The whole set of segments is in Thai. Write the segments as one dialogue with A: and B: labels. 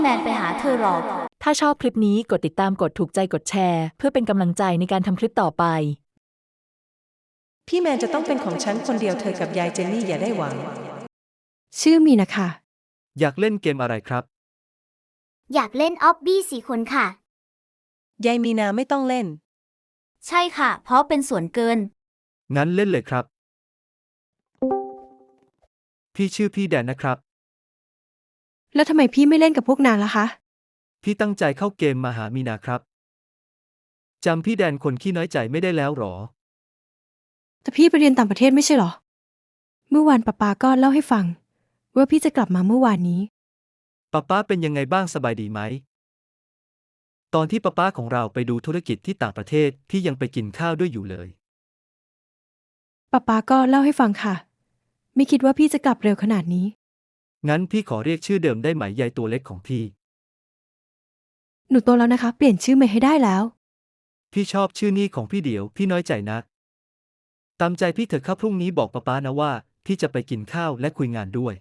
A: แมนไปหาเธอหรอก
B: ถ้าชอบคลิปนี้กดติดตามกดถูกใจกดแชร์เพื่อเป็นกำลังใจในการทำคลิปต่อไป
C: พี่แมนจะต้องเป็นของฉันคนเดียวเธอกับยายเจนนี่อย่าได้หวัง
D: ชื่อมีนะคะ
E: อยากเล่นเกมอะไรครับ
A: อยากเล่นออบบี้4 คนค่ะ
C: ยายมีนาไม่ต้องเล่น
A: ใช่ค่ะเพราะเป็นส่วนเกิน
E: งั้นเล่นเลยครับ พี่ชื่อพี่แดนนะครับ
D: แล้วทำไมพี่ไม่เล่นกับพวกนางล่ะคะ
E: พี่ตั้งใจเข้าเกมมาหามีนาครับจำพี่แดนคนขี้น้อยใจไม่ได้แล้วหรอ
D: แต่พี่ไปเรียนต่างประเทศไม่ใช่หรอ เมื่อวานป๊าก็เล่าให้ฟังว่าพี่จะกลับมาเมื่อวานนี้
E: ป๊าเป็นยังไงบ้างสบายดีไหมตอนที่ป๊าของเราไปดูธุรกิจที่ต่างประเทศพี่ยังไปกินข้าวด้วยอยู่เลย
D: ป๊าก็เล่าให้ฟังค่ะ ไม่คิดว่าพี่จะกลับเร็วขนาดนี้
E: งั้นพี่ขอเรียกชื่อเดิมได้ไหมยายตัวเล็กของพี่
D: หนูโตแล้วนะคะเปลี่ยนชื่อใหม่ให้ได้แล้ว
E: พี่ชอบชื่อนี้ของพี่เดี๋ยวพี่น้อยใจนักตามใจพี่เถอะครับพรุ่งนี้บอกป๊านะว่าพี่จะไปกินข้าวและคุยงานด้วย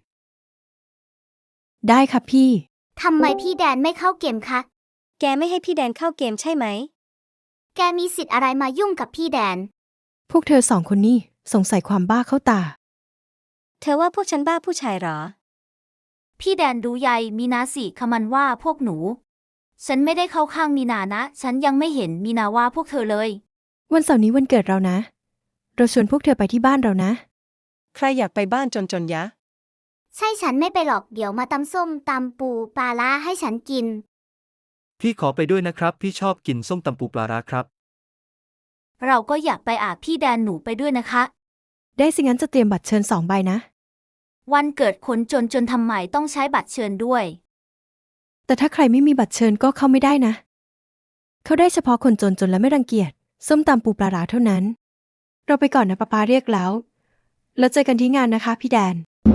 D: ได้ค่ะพี่
A: ทำไมพี่แดนไม่เข้าเกมคะ
F: แกไม่ให้พี่แดนเข้าเกมใช่ไหม
A: แกมีสิทธิ์อะไรมายุ่งกับพี่แดน
D: พวกเธอ2 คนนี่สงสัยความบ้าเข้าตา
F: เธอว่าพวกฉันบ้าผู้ชายหรอ
A: พี่แดนดูยายมีนาสิขมันว่าพวกหนูฉันไม่ได้เข้าข้างมีนานะฉันยังไม่เห็นมีนาว่าพวกเธอเลย
D: วันเสาร์นี้วันเกิดเรานะเราชวนพวกเธอไปที่บ้านเรานะ
C: ใครอยากไปบ้านจนยะ
A: ใช่ฉันไม่ไปหรอกเดี๋ยวมาตำส้มตำปูปลาร้าให้ฉันกิน
E: พี่ขอไปด้วยนะครับพี่ชอบกินส้มตำปูปลาร้าครับ
A: เราก็อยากไปพี่แดนหนูไปด้วยนะคะ
D: ได้สิงั้นจะเตรียมบัตรเชิญ2 ใบนะ
A: วันเกิดคนจนทำไมต้องใช้บัตรเชิญด้วย
D: แต่ถ้าใครไม่มีบัตรเชิญก็เข้าไม่ได้นะเขาได้เฉพาะคนจนและไม่รังเกียจส้มตำปูปลาร้าเท่านั้นเราไปก่อนนะป๊าเรียกแล้วเจอกันที่งานนะคะพี่แดน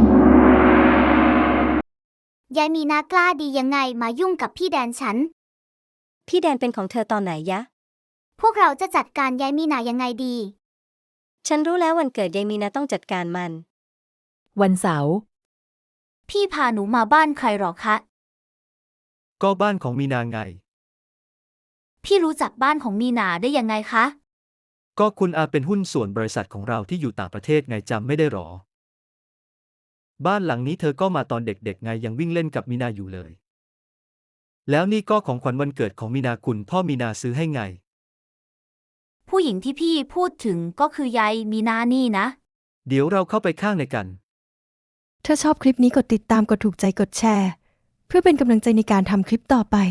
A: ยายมีนากล้าดียังไงมายุ่งกับพี่แดนฉัน
F: พี่แดนเป็นของเธอตอนไหนยะ
A: พวกเราจะจัดการยายมีนายังไงดี
F: ฉันรู้แล้ววันเกิดยายมีนาต้องจัดการมัน
B: วันเสาร์
A: พี่พาหนูมาบ้านใครหรอคะ
E: ก็บ้านของมีนาไง
A: พี่รู้จักบ้านของมีนาได้ยังไงคะ
E: ก็คุณอาเป็นหุ้นส่วนบริษัทของเราที่อยู่ต่างประเทศไงจำไม่ได้หรอบ้านหลังนี้เธอก็มาตอนเด็กๆไงยังวิ่งเล่นกับมีนาอยู่เลยแล้วนี่ก็ของขวัญวันเกิดของมีนาคุณพ่อมีนาซื้อให้ไง
A: ผู้หญิงที่พี่พูดถึงก็คือยายมีนานี่นะ
E: เดี๋ยวเราเข้าไปข้างในกัน
D: ถ้าชอบคลิปนี้กดติดตามกดถูกใจกดแชร์เพื่อเป็นกำลังใจในการทำคลิปต่อไป